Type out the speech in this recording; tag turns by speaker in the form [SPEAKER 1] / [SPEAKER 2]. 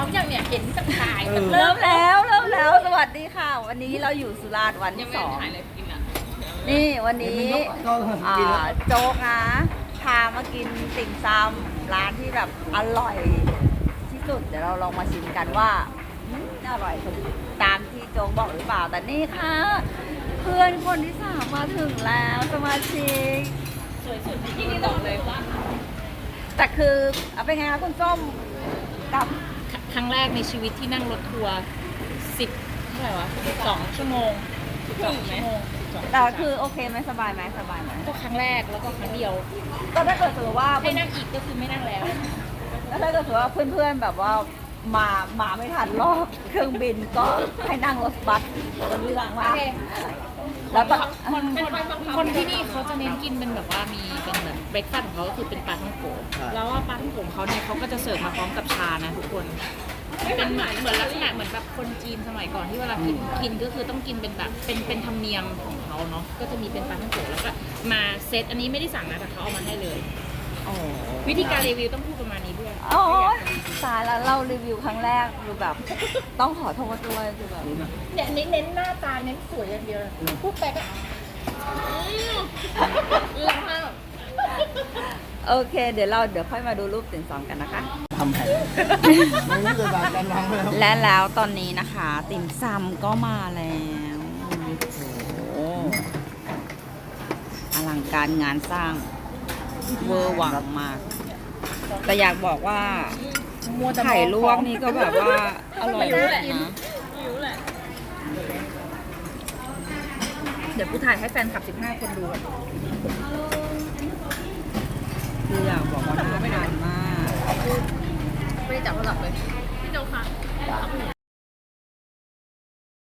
[SPEAKER 1] เขาอย่างเนี่ยเห็นจากถ่าย
[SPEAKER 2] เริ่มแล้ว สวัสดีค่ะ วันนี้เราอยู่สุราษฎร์วันที่ 2
[SPEAKER 1] ถ่ายเลยกินอ่ะ
[SPEAKER 2] นี่วันนี้โจ๊กนะพามากินติ่มซำร้านที่แบบอร่อยที่สุดเดี๋ยวเราลองมาชิมกันว่าอร่อยตามที่โจ๊กบอกหรือเปล่าแต่นี่ค่ะเพื่อนคนที่ 3มาถึงแล้วสมาชิก
[SPEAKER 1] สวยสุดที่นี่บอกเลยว่า
[SPEAKER 2] แต่คือเอาเป็นไงคะคุณส้มกับ
[SPEAKER 1] ครั้งแรกในชีวิตที่นั่งรถทัวร์10เท่าไหร่วะ12 ชั่วโมง12 ชั่วโมง
[SPEAKER 2] แต่คือโอเคไหมสบายไหมสบายไหม
[SPEAKER 1] ก็ครั้งแรกแล้วก็ครั้งเดียว
[SPEAKER 2] ก็ถ้าเกิดสมมติว่า
[SPEAKER 1] ให้นั่งอีกก็คือไม่นั่งแล้ว
[SPEAKER 2] แล้วถ้าเกิดสมมติว่าเพื่อนๆแบบว่ามาไม่ทันรอบเครื่องบินก็ให้นั่งรถบัสเป็นเรื่องว่า
[SPEAKER 1] โอเค
[SPEAKER 2] แล้วก็
[SPEAKER 1] คนที่นี่เขาจะเน้นกินเป็นแบบว่ามีเป็นแบบเบรคฟาสต์ของเขาก็คือเป็นปลาท่องโกแล้วว่าปลาท่องโกของเขาเนี่ยเขาก็จะเสิร์ฟมาพร้อมกับชานะทุกคนเป็นเหมือนลักษณะเหมือนแบบคนจีนสมัยก่อนที่เวลากินก็คือต้องกินเป็นแบบเป็นธรรมเนียมของเขาเนาะก็จะมีเป็นปลาท่องโกแล้วก็มาเซตอันนี้ไม่ได้สั่งนะแต่เขาเอามาให้เลย วิธีการรีวิวต้องพูดประมาณนี้ด้วย
[SPEAKER 2] โอ้ยตายแล้วเรารีวิวครั้งแรกคือแบบต้องขอโทษด้วยคือแบบ
[SPEAKER 1] เนี่ยเน้นหน้าตาเน้นสวยอย่างเดียวพูดไปก็แล้ว
[SPEAKER 2] โอเคเดี๋ยวค่อยมาดูรูปติ่มซำกันนะคะ
[SPEAKER 3] ทำแผนไม่รู้จะแบบการวางแล้ว
[SPEAKER 2] และแล้วตอนนี้นะคะ ติ่มซำก็มาแล้วโอ้อลังการงานสร้างเวอร์หวังมาก แต่อยากบอกว่าไข่ลวกนี่ก็แบบว่าอร่อยมากนะ
[SPEAKER 1] เดี๋ยวกูถ่ายให้แฟนคลับ15 คนดู
[SPEAKER 2] คืออยากบอกว่าน่าทานมาก
[SPEAKER 1] ไม่ได้จับโทรศัพท์เลยพี่โจค่ะ